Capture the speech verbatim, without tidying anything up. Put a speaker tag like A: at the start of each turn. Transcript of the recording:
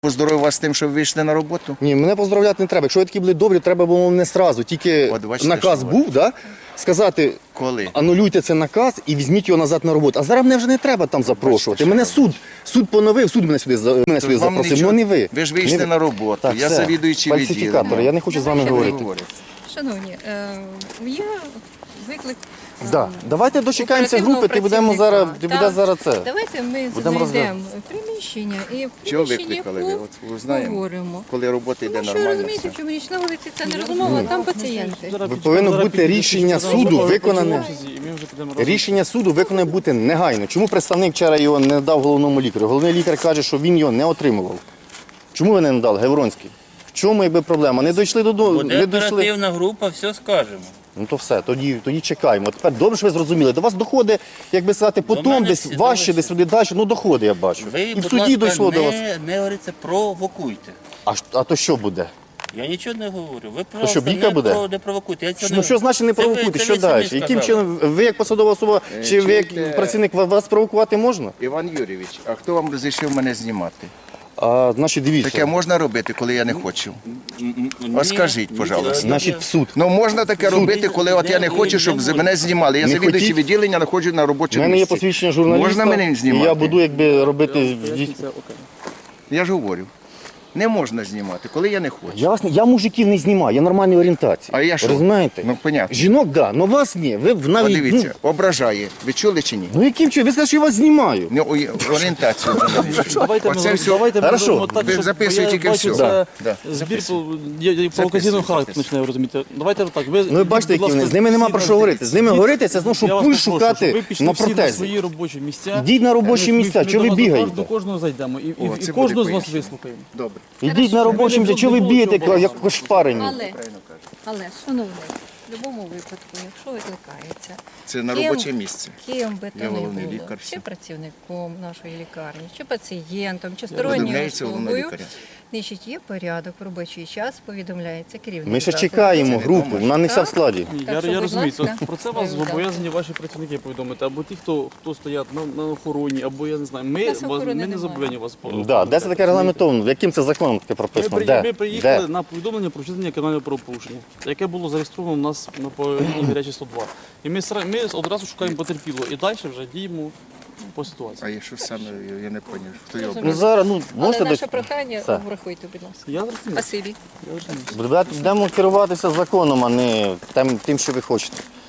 A: Поздоровив вас з тим, що ви вийшли на роботу?
B: Ні, мене поздравляти не треба. Якщо ви такі були добрі, треба було мене сразу. Тільки
A: От бачите,
B: наказ
A: що
B: був, да? Сказати,
A: Коли?
B: анулюйте цей наказ і візьміть його назад на роботу. А зараз мене вже не треба там запрошувати.
A: що
B: Мене
A: робити.
B: суд, суд поновив, суд мене сюди, за- мене сюди
A: Вам
B: запросив,
A: нічого-
B: ну не ви.
A: Ви ж вийшли
B: Не ви.
A: на роботу,
B: Так,
A: я
B: все.
A: завідуючий
B: Фальсифікатор,
A: відділення.
B: я не хочу з вами
A: Що ви
B: говорити.
A: говорите?
C: Шановні, е, є виклик. е,
B: Да. Давайте дочекаємося
C: оперативного
B: групи, ти будемо зараз,
C: працівника.
B: ти буде
C: Так.
B: зараз це.
C: Давайте ми
B: Будемо
C: знайдемо приміщення і в
A: Чого
C: приміщенні
A: викликали ви? От ви знаємо,
C: поговоримо.
A: коли робота йде
C: Тому що ви
A: нормально.
C: розумієте,
A: все.
C: що мені на вулиці це не розмова, там пацієнти.
B: Ви повинно бути рішення суду виконане. Рішення суду виконане бути негайно. Чому представник вчора його не дав головному лікарю? Головний лікар каже, що він його не отримував. Чому ви не надали, Гевронський? В чому якби проблема? Не дійшли додому,
D: Буде
B: не дійшли.
D: оперативна група, все скажемо.
B: Ну то все, тоді, тоді чекаємо. Тепер добре, що ви зрозуміли. До вас доходить, як би сказати, потім
D: мене
B: десь
D: всі
B: важче,
D: доходять.
B: десь туди далі. Ну доходить, я бачу.
D: Ви,
B: І в
D: будь
B: суді
D: ласка,
B: дійшло
D: не,
B: до вас.
D: не говориться, провокуйте.
B: А, ж- а то що буде?
D: Я нічого не говорю. Ви
B: що,
D: просто
B: бійка
D: не,
B: буде?
D: про, не провокуйте. Я цього
B: Ну
D: не...
B: що значить не
D: Це ви-
B: провокуйте?
D: це
B: Що
D: ви самі
B: далі? Яким
D: сказали.
B: чином ви як посадова особа чи ви як
A: чуєте?
B: працівник ва- вас провокувати можна?
A: Іван Юрійович, а хто вам розрішив мене знімати?
B: А, значить,
A: Таке
B: дивіться.
A: можна робити, коли я не хочу?
D: Ні,
A: А скажіть,
D: ні,
A: пожалуйста.
B: Значить, в суд.
A: Ну можна таке робити, коли от я не
D: не-
A: хочу,
D: не
A: щоб
D: можна.
A: мене знімали. Я
B: Не
A: завідуючий
B: хотіть?
A: відділення, знаходжу на
B: У
A: робочому
B: мене є
A: місці.
B: посвідчення журналіста,
A: Можна мене
B: і
A: знімати?
B: я буду якби робити...
A: Я ж говорю, не можна знімати, коли я не хочу.
B: Я, вас, не- я мужиків не знімаю, я нормальної орієнтації.
A: А я що?
B: Розумієте?
A: Ну, понятно.
B: Жінок, так, да, але вас ні. Ви в- навіть...
A: Подивіться, ображає. Ви чули чи ні?
B: Ну, ну яким чином? Ви сказали, що я вас знімаю.
A: Ну, ой, орієнтацію.
E: Давайте ми,
A: Оце все.
E: давайте ми
B: Хорошо.
E: зробимо так,
A: Ви
E: щоб
A: записуйте
E: я
A: тільки
E: бачу,
A: все.
E: це
A: Да, да.
E: збір
A: Записуй.
E: по- є- є провокаційного
A: Записуй,
E: характеру, починаю розуміти. Давайте так. Ви,
B: Ну ви бачите, які вони. З ними нема про що говорити. З ними говорити, це знову, щоб пульс шукати
E: ви пішли
B: на
E: всі на
B: протезі.
E: свої робочі місця.
B: Ідіть на робочі
E: Ми-
B: місця,
E: ми
B: чого ви
E: до вас до
B: бігаєте?
E: кожного- До кожного зайдемо і, і,
A: О,
E: і
A: це
E: кожного
A: буде
E: з вас
A: пояснення.
E: вислухаємо.
A: Добре.
B: Ідіть на робочі місця, чого ви бігаєте, як кошпарені?
C: Але, але, шановний, в будь-якому випадку, якщо викликається,
A: Це на
C: Ким?
A: робоче місце.
C: ким би
A: Я
C: то не
A: головний
C: було,
A: лікар, все.
C: чи працівником нашої лікарні, чи пацієнтом, чи
A: Розуміється,
C: сторонньою
A: головного
C: особою,
A: лікаря.
C: значить, є порядок в робочий час, повідомляється керівник.
B: Ми ще
C: закладу.
B: чекаємо
A: Це
B: групу,
A: відомо.
B: вона не вся в складі.
E: Ні,
C: Так
E: я,
C: що,
E: я
C: будь
E: розумію,
C: ласка,
E: це- про це вас
C: передам.
E: зобов'язані ваші працівники повідомити, або ті, хто, хто стоять на, на охороні, або я не знаю. Ми,
C: Нас
E: вас,
C: охорони
E: ми не
C: немає.
E: зобов'язані вас
B: Да, де це таке регламентовано? Яким це законом таке
E: Ми,
B: прописано?
E: при-
B: Де?
E: ми приїхали
B: Де?
E: на повідомлення про вчинення кримінального правопорушення, яке було зареєстровано у нас на по лінії гарячі сто два. І ми, сра- ми одразу шукаємо потерпілого і далі вже діємо по ситуації.
A: А я що саме, я не зрозумів, хто його
B: Ну зараз, ну,
C: Але
B: можете
C: наше
B: до...
C: прохання
B: Все.
C: врахуйте, будь ласка.
E: Я зрозумів.
C: Спасибі.
E: Я зрозумів.
B: Будемо керуватися законом, а не тим, тим, що ви хочете.